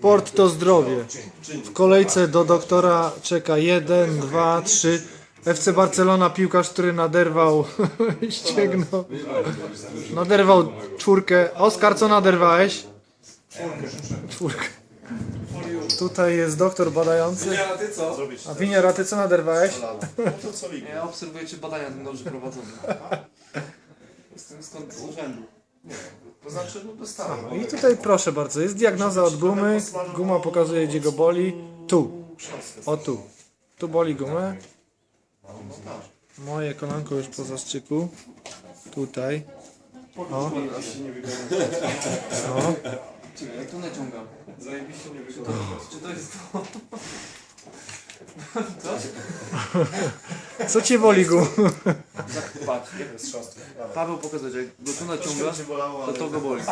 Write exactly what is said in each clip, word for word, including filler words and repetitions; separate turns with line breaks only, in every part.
Sport to zdrowie. W kolejce do doktora czeka jeden, dwa, trzy. F C Barcelona, piłkarz, który naderwał ścięgno. Naderwał czwórkę. Oskar, co naderwałeś? Czwórkę. Tutaj jest doktor badający.
Winiara, ty co?
A Winiara, ty co naderwałeś?
Ja obserwuję, czy badania są dobrze prowadzone. Jestem skąd z urzędu.
To znaczy, no dostałem.
I tutaj proszę bardzo, jest diagnoza od gumy. Guma pokazuje, gdzie go boli. Tu. O tu. Tu boli gumę. Moje kolanko już po zastrzyku. Tutaj. O. O.
Czekaj, jak to naciągam?
Zajebiście nie wygląda.
Czy to jest to?
Co cię boli guma?
Patrz, Paweł pokazać, jak go tu naciąga, to to go boli.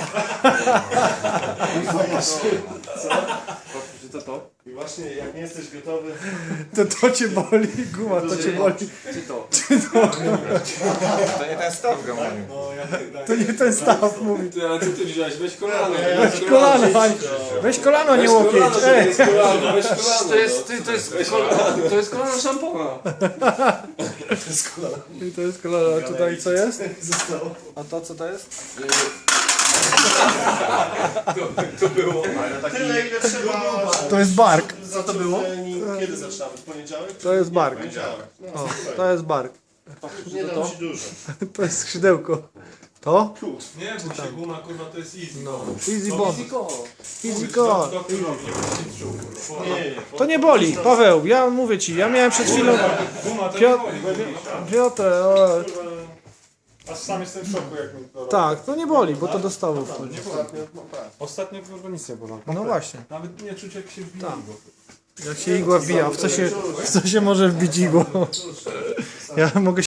Czy to to?
I właśnie jak nie jesteś gotowy,
To to cię boli, guma, to cię boli.
Czy to?
To nie ten staw go mówił.
no jak
To nie ten staw mówi.
Ty, ale co ty wziąłeś? Weź kolano.
Weź kolano, Pani. Weź kolano, nie łokieć. Ej.
Weź kolano, weź kolano.
To jest, ty, to jest, kol, to jest kolana szampona.
I to jest kolano. A tutaj co jest?
zostało.
A to co to jest?
To było.
Tyle ile trzeba.
To jest bark.
Co to było? Kiedy zaczynamy? W poniedziałek?
To jest bark.
Poniedziałek. No,
O, to jest bark.
nie dam ci dużo.
To jest skrzydełko. To?
Nie, bo się guma, kurwa, to jest easy.
No. Easy bomb.
Ziko.
Easy go.
Doktor robi, nie będzie czuł, kurwa.
Nie, nie.
To nie boli. Paweł, ja mówię ci, ja miałem przed chwilą...
Guma to nie
Piotr,
boli, widzisz?
Piotr, o,
Aż sam jestem w szoku, jak mi to robi.
tak, to nie boli, bo to do stawu wchodzi.
Ostatnio kurwa nic nie było.
No właśnie.
Nawet nie czuć, jak się wbija.
Tak. Jak się igła wbija, w co się, w co się może wbić igło? Ja mogę